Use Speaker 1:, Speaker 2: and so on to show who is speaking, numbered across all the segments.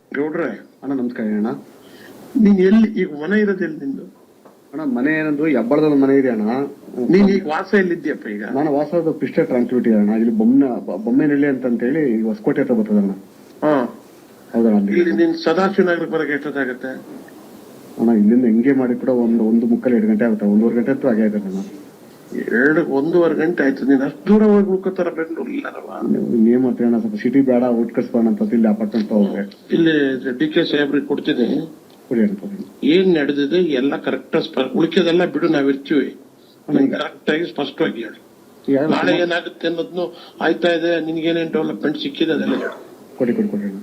Speaker 1: ಗೌಡ್ರೆ
Speaker 2: ಅಣ್ಣ ನಮಸ್ಕಾರ ಅಣ್ಣ.
Speaker 1: ನೀನ್ ಎಲ್ಲಿ ಈಗ ಮನೆ ಇರೋದೆಲ್ಲಿ ನಿಂದು?
Speaker 2: ಅಣ್ಣ ಮನೆ ಏನಂದ್ರು ಹೆಬ್ಬಳದ ಮನೆ ಇದೆ ಅಣ್ಣ.
Speaker 1: ನೀನ್ ಈಗ ವಾಸ ಎಲ್ಲಿದ್ಯಪ್ಪ ಈಗ?
Speaker 2: ನಾನು ವಾಸದ ಪಿಸ್ಟೆ ಟ್ರಾನ್ಸ್ಪಿಟಿ ಅಣ್ಣ. ಇಲ್ಲಿ ಬೊಮ್ಮೆನಹಳ್ಳಿ ಅಂತ ಹೇಳಿ ಹೊಸಕೋಟೆ ಹತ್ರ ಬರ್ತದಣ್ಣ.
Speaker 1: ಹಾ,
Speaker 2: ಹೌದಣ್ಣ. ಅಲ್ಲಿ
Speaker 1: ಇಲ್ಲಿ ನೀನ್ ಸದಾಶಿವನಗರಕ್ಕೆ ಬರಕ್ಕೆ ಎಷ್ಟೊತ್ತಾಗತ್ತೆ?
Speaker 2: ಅಣ್ಣ ಇಲ್ಲಿಂದ ಹೆಂಗೆ ಮಾಡಿ ಕೂಡ ಒಂದು ಮುಕ್ಕಲ್ 2 ಗಂಟೆ ಆಗುತ್ತೆ. 1.5 ಗಂಟೆ ಅಂತೂ ಆಗೇ ಆಗುತ್ತೆ ಅಣ್ಣ.
Speaker 1: 1.5 ಗಂಟೆ ಆಯ್ತು. ನೀನ್ ಅಷ್ಟು ದೂರ ಹೋಗಿ ಉಳ್ಕೋತಾರ ಬೆಂಗಳೂರು ಇಲ್ಲಾರವ?
Speaker 2: ಏನ್ ಮಾಡ್ತೀವಿ ಅಣ್ಣ, ಸ್ವಲ್ಪ ಸಿಟಿ ಬೇಡ, ಔಟ್ ಕಟ್ಸ್ಬೋಣ ಅಂತ ಇಲ್ಲಿ ಅಪಾರ್ಟ್ಮೆಂಟ್ ಹೋಗ್ರೆ
Speaker 1: ಇಲ್ಲಿ ಡಿ ಕೆ ಸಾಹೇಬ್ರಿಗೆ ಕೊಡ್ತೀನಿ.
Speaker 2: ಕೊಡಿ ಅಂತ.
Speaker 1: ಏನ್ ನಡೆದಿದೆ ಎಲ್ಲ ಕರೆಕ್ಟ್, ಉಳಿಕೆದೆಲ್ಲ ಬಿಡು, ನಾವಿರ್ತೀವಿ. ಕರೆಕ್ಟ್ ಆಗಿ ಸ್ಪಷ್ಟವಾಗಿ ಹೇಳಿ. ನಾಳೆ ಏನಾಗುತ್ತೆ ಅನ್ನೋದ್ನು ಆಯ್ತಾ ಇದೆ, ನಿನ್ಗೇನೇನ್ ಡೆವಲಪ್ಮೆಂಟ್ ಸಿಕ್ಕಿದೆ ಅದೆಲ್ಲ ಹೇಳು.
Speaker 2: ಕೊಡಿ ಅಣ್ಣ.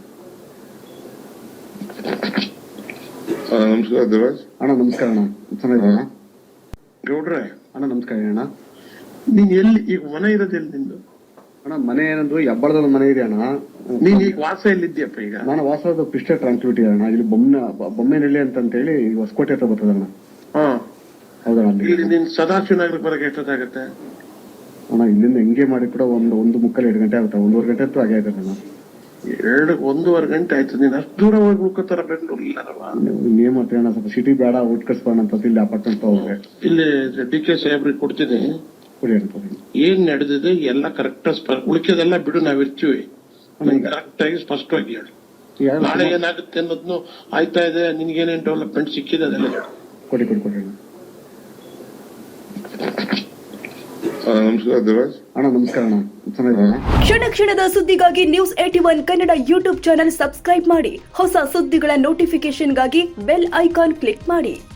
Speaker 1: ನಮಸ್ಕಾರ ದೇವರಾಜ್
Speaker 2: ಅಣ್ಣ ನಮಸ್ಕಾರ ಅಣ್ಣ. ಚೆನ್ನಾಗಿದ್ದೀರಾ
Speaker 1: ಗೌಡ್ರೆ?
Speaker 2: ಅಣ್ಣ ನಮಸ್ಕಾರ ಅಣ್ಣ.
Speaker 1: ನೀನ್ ಎಲ್ಲಿ ಈಗ ಮನೆ ಇರೋದೆಲ್ಲಿ ನಿಂದು?
Speaker 2: ಅಣ್ಣ ಮನೆ ಏನಂದ್ರು ಹೆಬ್ಬಳದ ಮನೆ ಇದೆ ಅಣ್ಣ.
Speaker 1: ನೀನ್ ಈಗ ವಾಸ ಎಲ್ಲಿದ್ಯಪ್ಪ ಈಗ?
Speaker 2: ನಾನು ವಾಸದ ಪಿಸ್ಟೆ ಟ್ರಾನ್ಸ್ಪಿಟಿ ಅಣ್ಣ. ಇಲ್ಲಿ ಬೊಮ್ಮೆನಹಳ್ಳಿ ಅಂತ ಹೇಳಿ ಹೊಸಕೋಟೆ ಹತ್ರ ಬರ್ತದಣ್ಣ.
Speaker 1: ಹಾ,
Speaker 2: ಹೌದಣ್ಣ. ಅಲ್ಲಿ
Speaker 1: ಇಲ್ಲಿ ನೀನ್ ಸದಾಶಿವನಗರಕ್ಕೆ ಬರಕ್ಕೆ ಎಷ್ಟೊತ್ತಾಗತ್ತೆ?
Speaker 2: ಅಣ್ಣ ಇಲ್ಲಿಂದ ಹೆಂಗೆ ಮಾಡಿ ಕೂಡ ಒಂದು ಮುಕ್ಕಲ್ 2 ಗಂಟೆ ಆಗುತ್ತೆ. 1.5 ಗಂಟೆ ಅಂತೂ ಆಗೇ ಆಗುತ್ತೆ ಅಣ್ಣ.
Speaker 1: 1.5 ಗಂಟೆ ಆಯ್ತು. ನೀನ್ ಅಷ್ಟು ದೂರ ಹೋಗಿ ಉಳ್ಕೋತಾರ ಬೆಂಗಳೂರು ಇಲ್ಲಾರವ?
Speaker 2: ಏನ್ ಮಾಡ್ತೀವಿ ಅಣ್ಣ, ಸ್ವಲ್ಪ ಸಿಟಿ ಬೇಡ, ಔಟ್ ಕಟ್ಸ್ಬೋಣ ಅಂತ ಇಲ್ಲಿ ಅಪಾರ್ಟ್ಮೆಂಟ್ ಹೋಗ್ರೆ
Speaker 1: ಇಲ್ಲಿ ಡಿ ಕೆ ಸಾಹೇಬ್ರಿಗೆ ಕೊಡ್ತೀನಿ.
Speaker 2: ಕೊಡಿ ಅಂತ.
Speaker 1: ಏನ್ ನಡೆದಿದೆ ಎಲ್ಲ ಕರೆಕ್ಟ್, ಉಳಿಕೆದೆಲ್ಲ ಬಿಡು, ನಾವಿರ್ತೀವಿ. ಕರೆಕ್ಟ್ ಆಗಿ ಸ್ಪಷ್ಟವಾಗಿ ಹೇಳಿ. ನಾಳೆ ಏನಾಗುತ್ತೆ ಅನ್ನೋದ್ನು ಆಯ್ತಾ ಇದೆ, ನಿನ್ಗೇನೇನ್ ಡೆವಲಪ್ಮೆಂಟ್ ಸಿಕ್ಕಿದೆ ಅದೆಲ್ಲ ಹೇಳು.
Speaker 2: ಕೊಡಿ ಅಣ್ಣ.
Speaker 1: ನಮಸ್ಕಾರ ದೇವರಾಜ್.
Speaker 2: ಅಣ್ಣ ನಮಸ್ಕಾರ ಅಣ್ಣ. ಚೆನ್ನಾಗಿದ್ದೀರಾ?
Speaker 3: ಕ್ಷಣದ ಸುದ್ದಿಗಾಗಿ News81 Kannada YouTube channel subscribe ಮಾಡಿ. ಹೊಸ ಸುದ್ದಿಗಳ ನೋಟಿಫಿಕೇಶನ್ಗಾಗಿ ಬೆಲ್ ಐಕಾನ್ ಕ್ಲಿಕ್ ಮಾಡಿ.